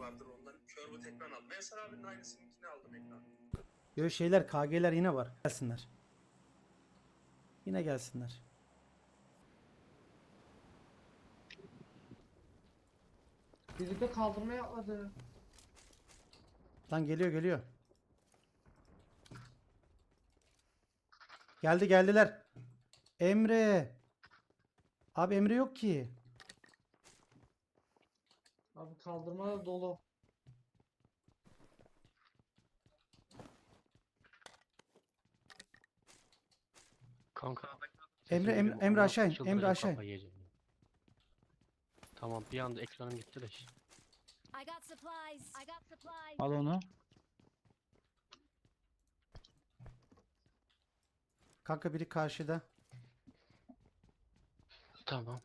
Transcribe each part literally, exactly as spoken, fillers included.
vardır onların. Curve'u ekran aldım. Ensar abinin aynısınınkini aldım ekran. Böyle şeyler K G'ler yine var. Gelsinler. Yine gelsinler. Biri de kaldırmaya atladı. Lan geliyor geliyor. Geldi geldiler. Emre. Abi Emre yok ki. Abi kaldırma da dolu. Kanka Emre sesim Emre, geliyor mu? Emre Amına aşağı in. koyayım, Emre çıldıracağım, aşağı in. kafayı yiyeceğim. ya. Tamam, bir anda ekranım gitti de. işte. I got supplies. I got supplies. Al onu. Kanka biri karşıda. Tamam.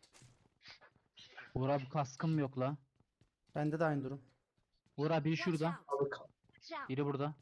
Uğur abi kaskım yok la. Bende de aynı durum. Uğur abi biri Watch şurada. out. Abi ka- Watch out. Biri burada.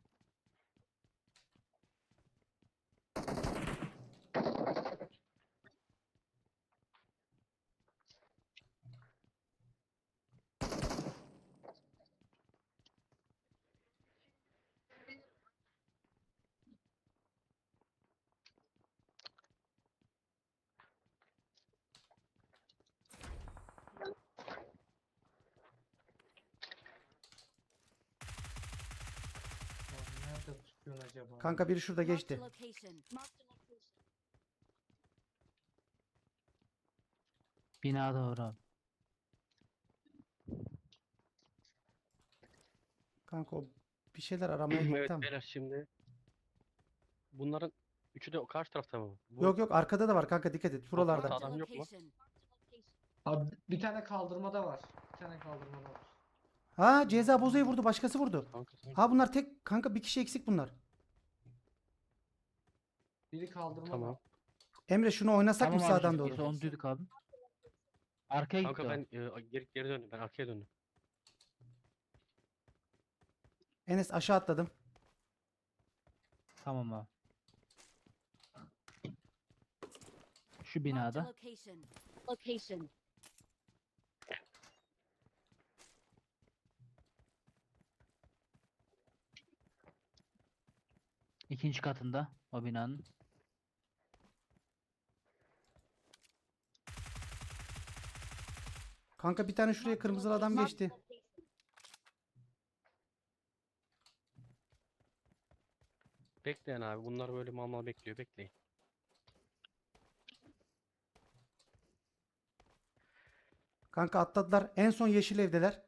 Abi nerede tutuyorsun acaba? Kanka biri şurada Marked a geçti. location. Marked a location. Binada Uğur abi. Kanka o bir şeyler aramaya gitti Evet ama. beyler, şimdi bunların üçü de o karşı tarafta mı? Bu Yok yok arkada da var kanka dikkat et. Buralarda. Marked Marked a adam yok mu? location. Abi bir tane kaldırmada var. Bir tane kaldırmada var. Ha ceza bozuyu vurdu başkası vurdu. Kanka sen Ha bunlar tek kanka bir kişi eksik bunlar. Biri kaldırmada. tamam. Emre şunu oynasak mı Tamam abi sağdan şu doğru? ikisi onu duyduk abi. Arkaya gitti Kanka o. ben e, geri, geri döndüm. Ben arkaya döndüm. Enes aşağı atladım. Tamam abi. Şu Marked a binada. location. Location. İkinci katında o binanın. Kanka bir tane şuraya kırmızılı adam geçti. Bekleyin abi. Bunlar böyle mal mal bekliyor. Bekleyin. Kanka atladılar. En son yeşil evdeler.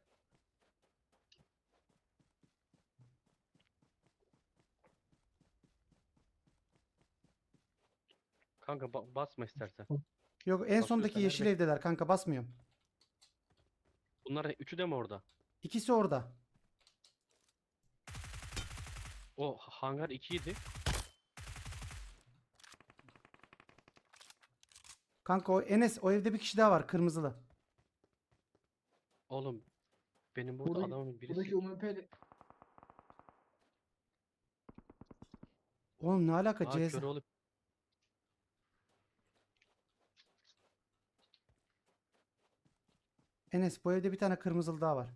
Kanka ba- basma istersen. Yok en Basıyorsa sondaki ver, yeşil bek- evdeler kanka basmıyorum. Bunlar üçü de mi orada? İkisi orada. O hangar iki idi. Kanka o Enes o evde bir kişi daha var kırmızılı. Oğlum benim burada Buradaki, adamın birisi. buradaki U M P'li Oğlum ne alaka Aa, ceza? kör olup Enes bu evde bir tane kırmızılı daha var.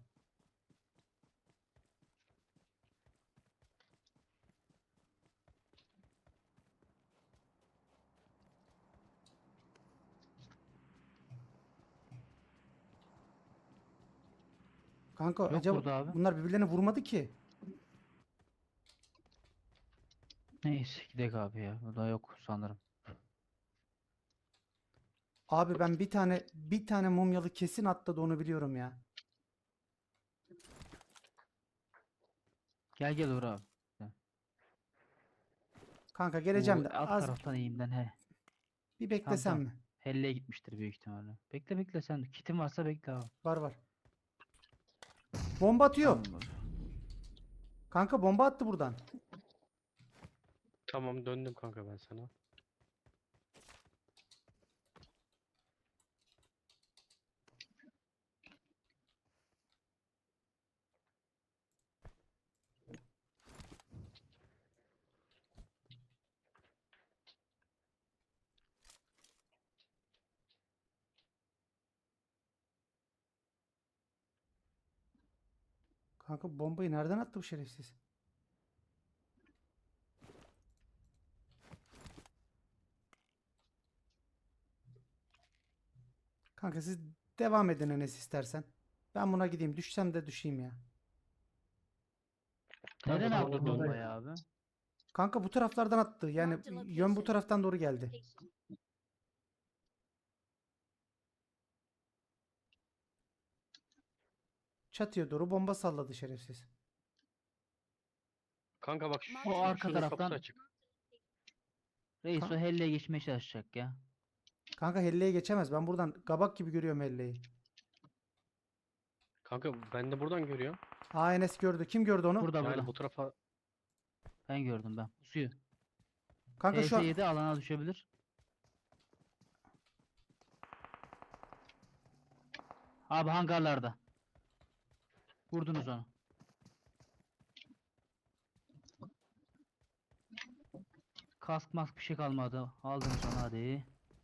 Kanka Yok acaba burada abi. bunlar birbirlerini vurmadı ki. Neyse gidelim abi ya. Burada yok sanırım. Abi ben bir tane bir tane mumyalı kesin atladı onu biliyorum ya. Gel gel Uğur abi. Kanka geleceğim Bu de alt az taraftan eğimden he. bir Tamam beklesem tamam. mi? Helle'ye gitmiştir büyük ihtimalle. Bekle bekle sen. Kitin varsa bekle abi. Var var. Bomba atıyor. Tamam abi. Kanka bomba attı buradan. tamam, döndüm kanka ben sana. Kanka bombayı nereden attı bu şerefsiz? Kanka siz devam edin Enes istersen. Ben buna gideyim. Düşsem de düşeyim ya. Neden Kanka, attı orada- bombayı abi? Kanka bu taraflardan attı. Yani Marked a yön bu location. taraftan doğru geldi. Location. Çatıya doğru bomba salladı şerefsiz. Kanka bak şu, O arka şunun taraftan- kapısı açık. Reis Ka- o helleye geçmeye çalışacak ya. Kanka Helle'ye geçemez. Ben buradan kabak gibi görüyorum Helle'yi. Kanka ben de buradan görüyorum. Aa Enes gördü. Kim gördü onu? Burada Yani burada. bu tarafa Ben gördüm ben. Suyu. Kanka şu an... T S yedi alana düşebilir. Abi hangarlarda. Vurdunuz onu. Kask mask bir şey kalmadı. Aldınız onu hadi.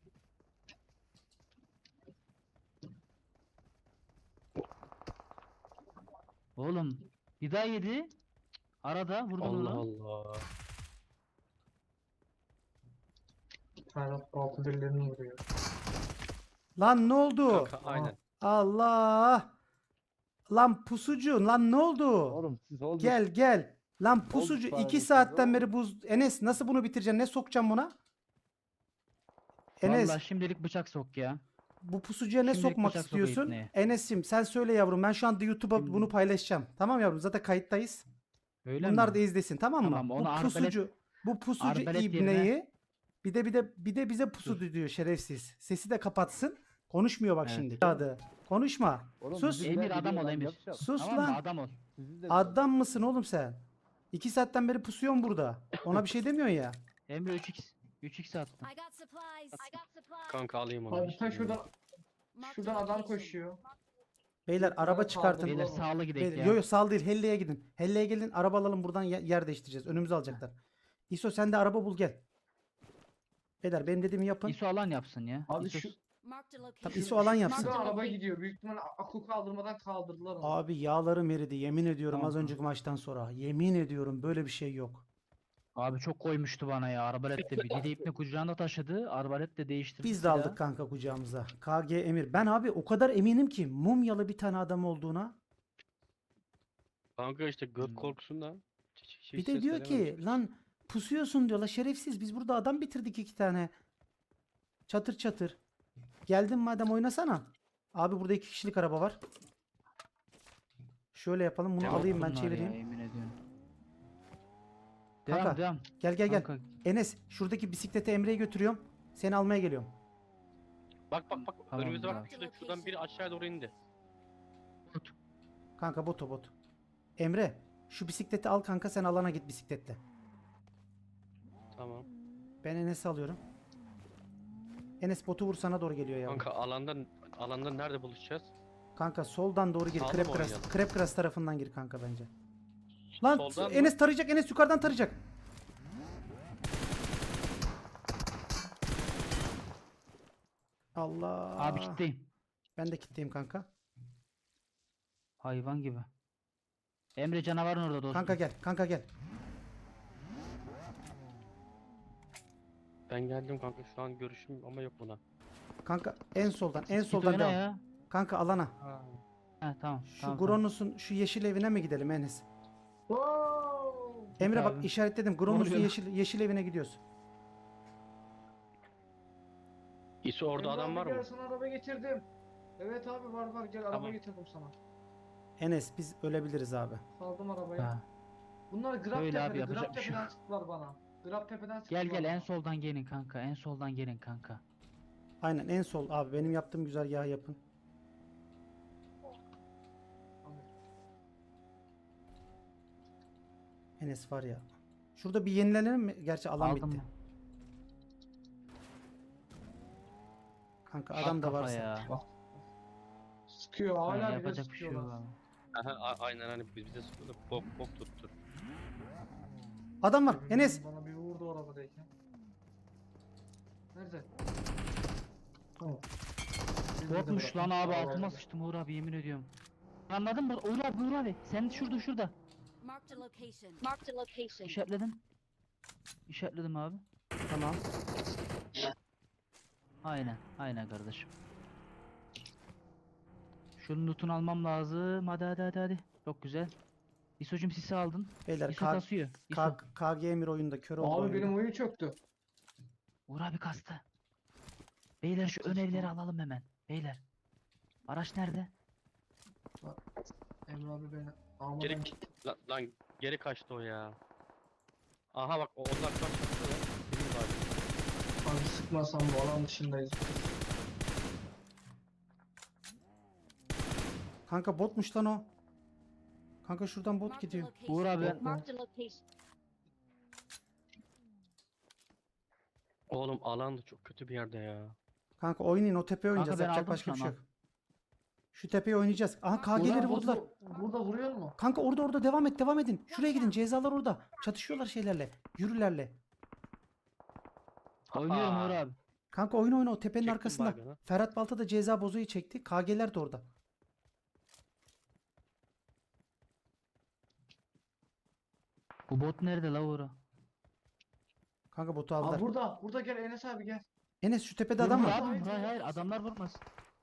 Oğlum bir daha yedi. Arada vurdun Allah onu. Allah. Ferhat altı birilerini vuruyor. Lan ne oldu? Kanka aynen. Allah! Lan pusucu lan ne oldu? Oğlum siz oldu. Gel gel. Lan pusucu bari iki siz saatten oğlum. beri buz... Enes nasıl bunu bitireceksin? Ne sokacaksın buna? Enes Vallahi şimdilik bıçak sok ya. bu pusucuya ne şimdilik sokmak bıçak sokayım istiyorsun? ipneye. Enes'im sen söyle yavrum. Ben şu anda YouTube'a Şimdi- bunu paylaşacağım. Tamam yavrum zaten kayıttayız. Öyle Bunlar mi? da izlesin tamam mı? Tamam, bu onu arbalet- pusucu bu pusucu arbalet yerine- ibneyi bir de bir de bir de bize pusu diyor şerefsiz. Sesi de kapatsın. Konuşmuyor bak Evet. şimdi. Adı. Konuşma. Oğlum Sus. bizimkiler Emir adam biliyor ol lan, Emir. yapacağız. Sus Tamam lan. mı? Adam ol. Sizi de Adam mısın oğlum sen? İki saatten beri pusuyorsun burada. Ona bir şey demiyorsun ya. Emre üç x. üç x attım. I got supplies. I got supplies. Kanka alayım onu. Abi ta şuradan, Marked şuradan a adam location. koşuyor. Beyler araba Bana çıkartın. saldırı Beyler Tamam. sağlı gidelim Beyler, ya. yo yo sağ değil. Helle'ye gidin. Helle'ye gelin. Araba alalım buradan ye- yer değiştireceğiz. Önümüzü alacaklar. İso sen de araba bul gel. Beyler benim dediğimi yapın. İso alan yapsın ya. Abi İso- şu, Marked a Tamam, location. İso alan yapsın. şuradan Marked a araba location. gidiyor. Büyük ihtimalle akü kaldırmadan kaldırdılar onu. Abi yağlarım eridi. Yemin ediyorum Tamam, az önceki maçtan sonra. Yemin ediyorum böyle bir şey yok. Abi çok koymuştu bana ya. Arbalet de bir de ipne kucağında taşıdı. Arbalet de değiştirdi. Biz de silahı. aldık kanka kucağımıza. K G Emir. Ben abi o kadar eminim ki mumyalı bir tane adam olduğuna. Kanka işte göt Hmm. korkusundan. hiç- hiç Bir de ses diyor verememiş. ki lan pusuyorsun diyorlar şerefsiz. Biz burada adam bitirdik iki tane. Çatır çatır. Geldin madem oynasana. Abi burada iki kişilik araba var. Şöyle yapalım. Bunu Devam alayım ben bunlar çevireyim. Ya, yemin ediyorum. Devam Kanka, devam. Gel gel gel. Kanka, Enes şuradaki bisiklete Emre'ye götürüyorum. Seni almaya geliyorum. Bak bak bak Tamam, önümüzde bravo. bak şurada, şuradan biri aşağıya doğru indi. Kanka boto bot. Emre şu bisikleti al kanka sen alana git bisikletle. Tamam. Ben Enes'i alıyorum. Enes botu vur sana doğru geliyor ya. Kanka. Kanka alandan alandan nerede buluşacağız? soldan doğru gir. Sağda Krep mı kras, oynayalım? krep kras tarafından gir kanka bence. Lan Soldan mı? Enes tarayacak. Enes yukarıdan tarayacak. Allah. abi kitleyim. Ben de kitleyim kanka. Hayvan gibi. Emre canavarın orada dostum. Kanka gel. Kanka gel. Ben geldim kanka şu an görüşüm ama yok buna. Kanka en soldan en Git soldan oyna devam. ya. Kanka alana. Ha tamam. Şu tamam, Gronus'un şu yeşil evine mi gidelim Enes? Wow! Emre bak abi. işaretledim. Gronus'un oluyor? yeşil yeşil evine gidiyoruz. İso orada Emre adam abi var gel, mı? sana araba getirdim. Evet abi var var gel araba Tamam. getirdim sana. Enes biz ölebiliriz abi. Saldım tamam. arabayı. Ha. Bunlar Grab Öyle abi, Tepe'de. yapacak Grab bir şey Tepe'den yok. çıktılar bana. Grab Tepe'den çıktılar Gel gel en bana. soldan gelin kanka. En soldan gelin kanka. Aynen en sol abi benim yaptığım güzergahı yapın. Enes var ya. Şurada bir yenilenelim mi? Gerçi alan Aldım bitti. mı? Kanka At adam da kafa varsa. ya. Sıkıyor Ha, hala bile yapacak bir şey yok sıkıyorlar. abi. Aha, a- aynen hani biz bize sıkıldı bok bok tuttu. Adam var. Enes. Bana bir vurdu o arabadayken. Nerede? Tamam. Botmuş lan abi Aa, altıma evet. sıçtım Uğur abi yemin ediyorum. Anladın mı? Uğur abi, Uğur abi. Sen şurada şurada. Marked a location. Marked a location. İşaretledim. İşaretledim abi. Tamam. Aynen. Aynen kardeşim. Şunun lootunu almam lazım. Hadi hadi hadi hadi. Çok güzel. İso'cum sisi aldın. Beyler İso K- kasıyor. İso. K- KG Emir oyunda kör oldu Abi oyunda. benim oyun çöktü. Uğur abi kastı. Beyler şu ön Kastı evleri mı? alalım hemen. Beyler. Araç nerede? Emre abi beni almadan Geri, gitti. lan, lan geri kaçtı o ya. Aha bak o- onlar kaçtı. Benim var. Abi sıkmasam bu alan dışındayız. Kanka botmuş lan o. Kanka şuradan bot Marked a gidiyor. location. Uğur abi ben- Marked a location. Oğlum alan da çok kötü bir yerde ya. Kanka oynayın, o tepeye oynayacağız. ben Yapacak aldım başka bir şey şu an, yok. Şu tepeye oynayacağız. Aha Uğur KG'leri abi vurdular. Burada, burada vuruyor mu? Kanka orada orada devam et devam edin. Şuraya gidin, cezalar orada. Çatışıyorlar şeylerle. Yürülerle. Oynuyorum Aa. Uğur abi. Kanka oyna oyna, o tepenin Çektim arkasında. baygını. Ferhat Balta da ceza bozuyu çekti. KG'ler de orada. Bu bot nerede la Uğur? Kanka botu aldılar. Abi burada. Burada gel Enes abi gel. Enes şu tepede Vurma adam var. abi. Hayır hayır adamlar vurmaz.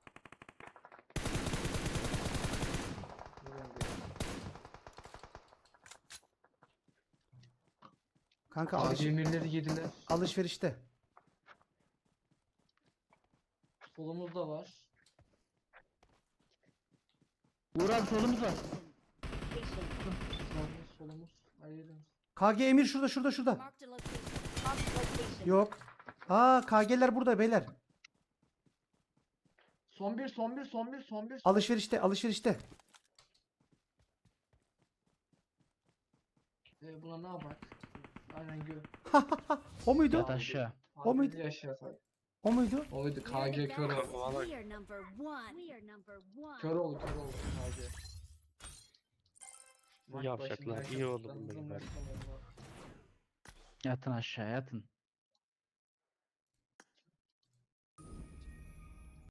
Kanka Abi alış- emirleri yediler. alışverişte. Solumuz da var. Uğur abi solumuz var. Solumuz solumuz. Hayırdır. K G Emir şurada şurada şurada. Marked a location. Marked a location. Yok. Aa K G'ler burada beyler. Son bir son bir son bir son bir. Alışverişte alışverişte. Ee, buna ne yapak? Aynen gö. O muydu? Yat aşağı. O muydu? Yaşa tabii. O muydu? O muydu? We are the K G kör best. oldu. We are number one. We are number one. Kör oldu kör oldu K G. Maç Yavşaklar, başındayken iyi oldu tutuklandığımız bunların maçta oldu. Yatın aşağı yatın.